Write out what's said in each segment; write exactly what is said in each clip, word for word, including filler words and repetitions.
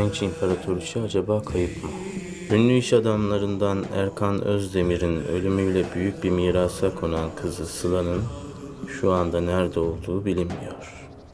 genç imparatoriçe acaba kayıp mı? Ünlü iş adamlarından Erkan Özdemir'in ölümüyle büyük bir mirasa konan kızı Sıla'nın şu anda nerede olduğu bilinmiyor.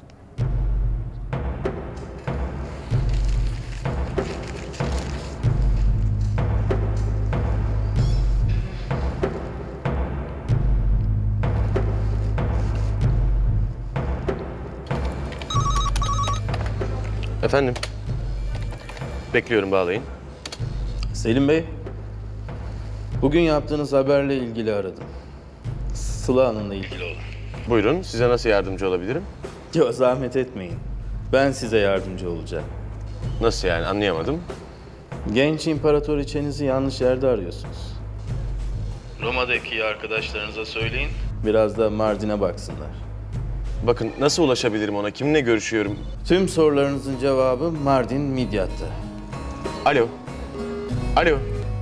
Efendim? Bekliyorum, bağlayın. Selim Bey, bugün yaptığınız haberle ilgili aradım. Sıla Hanım'la ilgili olan. Buyurun, size nasıl yardımcı olabilirim? Yok, zahmet etmeyin. Ben size yardımcı olacağım. Nasıl yani, anlayamadım. Genç imparatoriçenizi yanlış yerde arıyorsunuz. Roma'daki arkadaşlarınıza söyleyin. Biraz da Mardin'e baksınlar. Bakın, nasıl ulaşabilirim ona, kiminle görüşüyorum? Tüm sorularınızın cevabı Mardin Midyat'ta. Alo. Alo.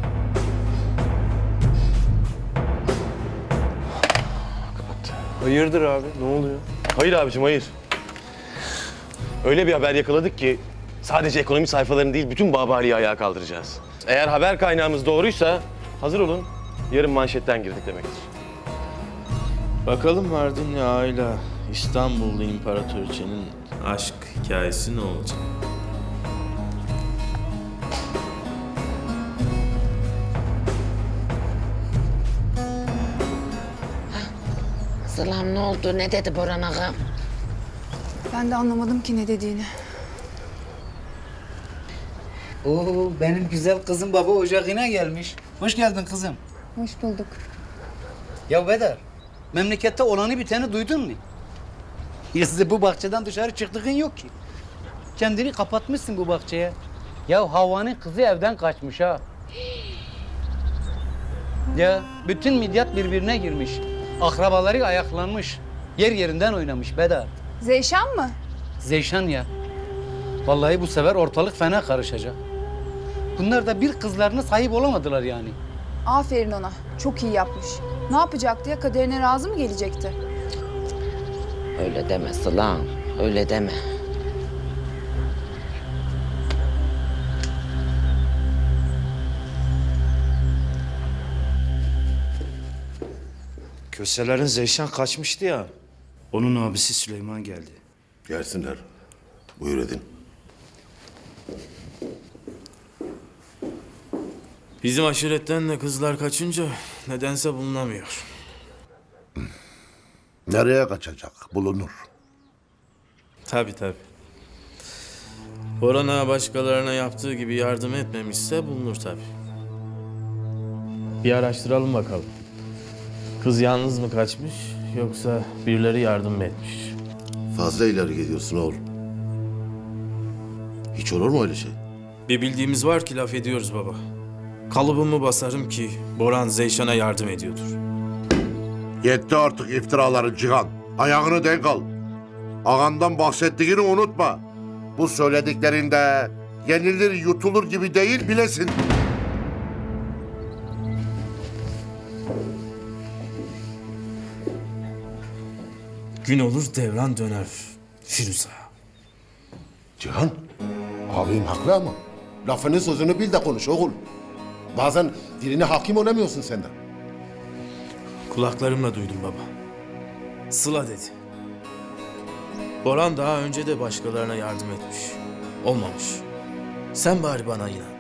Kapattı. Hayırdır abi? Ne oluyor? Hayır abicim, hayır. Öyle bir haber yakaladık ki sadece ekonomi sayfalarını değil, bütün Babali'yi ayağa kaldıracağız. Eğer haber kaynağımız doğruysa hazır olun. Yarın manşetten girdik demektir. Bakalım Mardinli aile İstanbullu imparatoriçenin aşk hikayesi ne olacak? Sılam ne oldu? Ne dedi Boran ağam? Ben de anlamadım ki ne dediğini. Oo, benim güzel kızım baba ocağına gelmiş. Hoş geldin kızım. Hoş bulduk. Ya Bedar, memlekette olanı biteni duydun mu? Ya size bu bahçeden dışarı çıktığın yok ki. Kendini kapatmışsın bu bahçeye. Ya Havva'nın kızı evden kaçmış ha. Ya bütün Midyat birbirine girmiş. Akrabaları ayaklanmış. Yer yerinden oynamış Bedar. Zeyşan mı? Zeyşan ya. Vallahi bu sefer ortalık fena karışacak. Bunlar da bir kızlarına sahip olamadılar yani. Aferin ona. Çok iyi yapmış. Ne yapacaktı ya? Kaderine razı mı gelecekti? Öyle deme Sılam, öyle deme. Köselerin Zeyşan kaçmıştı ya. Onun abisi Süleyman geldi. Gelsinler. Buyur edin. Bizim aşiretten de kızlar kaçınca nedense bulunamıyor. Nereye kaçacak? Bulunur. Tabii tabii. Boran Ağa başkalarına yaptığı gibi yardım etmemişse bulunur tabii. Bir araştıralım bakalım. Kız yalnız mı kaçmış yoksa birileri yardım mı etmiş? Fazla ileri gidiyorsun oğlum. Hiç olur mu öyle şey? Bir bildiğimiz var ki laf ediyoruz baba. Kalıbımı basarım ki Boran Zeyşan'a yardım ediyordur. Yetti artık iftiraların Cihan. Ayağını denk al. Ağandan bahsettiğini unutma. Bu söylediklerinde yenilir yutulur gibi değil bilesin. Gün olur devran döner Firuze. Cihan, abim haklı ama lafını sözünü bil de konuş oğul. Bazen diline hakim olamıyorsun senden. Kulaklarımla duydum baba. Sıla dedi. Boran daha önce de başkalarına yardım etmiş. Olmamış. Sen bari bana inan.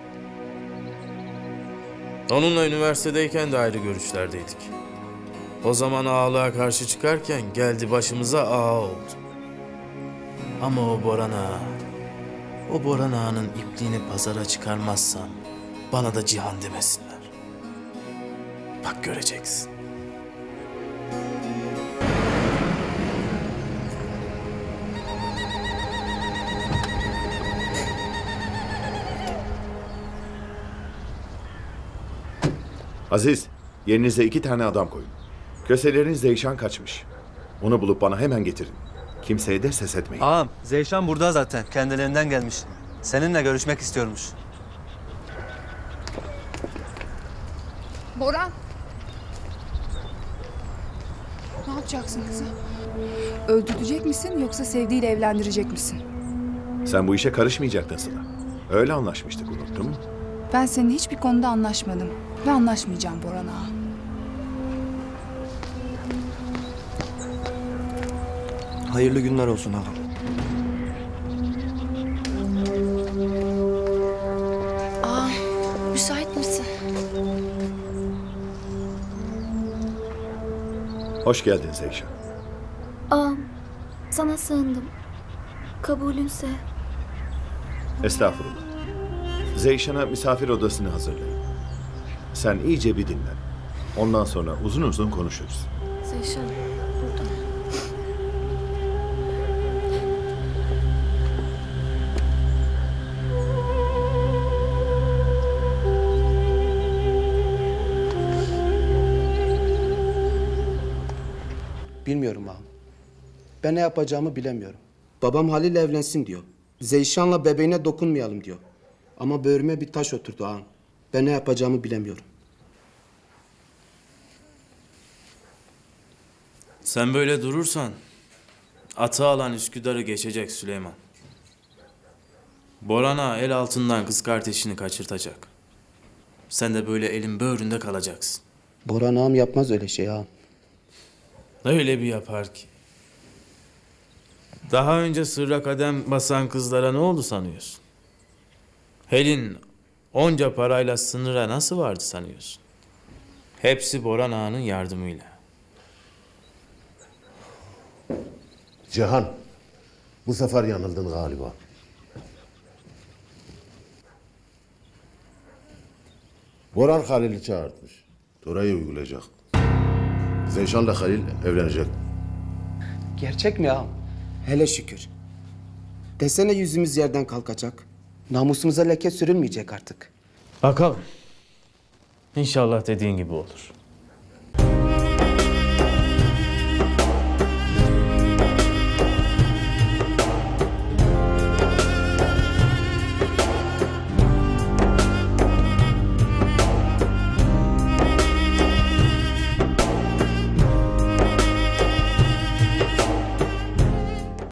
Onunla üniversitedeyken de ayrı görüşlerdeydik. O zaman ağalığa karşı çıkarken geldi başımıza ağa oldu. Ama o Boran ağa, o Boran ağanın ipliğini pazara çıkarmazsam bana da Cihan demesinler. Bak göreceksin. Aziz, yerinize iki tane adam koyun. Köselerin Zeyşan kaçmış. Onu bulup bana hemen getirin. Kimseye de ses etmeyin. Ağam, Zeyşan burada zaten. Kendilerinden gelmiş. Seninle görüşmek istiyormuş. Boran. Ne yapacaksın kızı? Öldürecek misin yoksa sevdiğiyle evlendirecek misin? Sen bu işe karışmayacaktın Sıla. Öyle anlaşmıştık, unuttun mu? Ben seninle hiçbir konuda anlaşmadım. Ve anlaşmayacağım Boran ağa. Hayırlı günler olsun ağam. Aa, müsait misin? Hoş geldin Zeyşan. Ağam, sana sığındım. Kabulünse. Estağfurullah. Zeyşan'a misafir odasını hazırlayın. Sen iyice bir dinlen. Ondan sonra uzun uzun konuşuruz. Zeyşan, burada. Bilmiyorum ağam. Ben ne yapacağımı bilemiyorum. Babam Halil evlensin diyor. Zeyşan'la bebeğine dokunmayalım diyor. Ama böğrüme bir taş oturdu ağam. Ben ne yapacağımı bilemiyorum. Sen böyle durursan atı alan Üsküdar'ı geçecek Süleyman. Boran'a el altından kız kardeşini kaçırtacak. Sen de böyle elin böğründe kalacaksın. Boran ağam yapmaz öyle şey ağam. Öyle bir yapar ki. Daha önce sırra kadem basan kızlara ne oldu sanıyorsun? Helin onca parayla sınıra nasıl vardı sanıyorsun? Hepsi Boran Ağa'nın yardımıyla. Cihan, bu sefer yanıldın galiba. Boran Halil'i çağırtmış. Torayı uygulayacak. Zeyşan'la Halil evlenecek. Gerçek mi ağam? Hele şükür. Desene yüzümüz yerden kalkacak. Namusumuza leke sürülmeyecek artık. Bakalım. İnşallah dediğin gibi olur.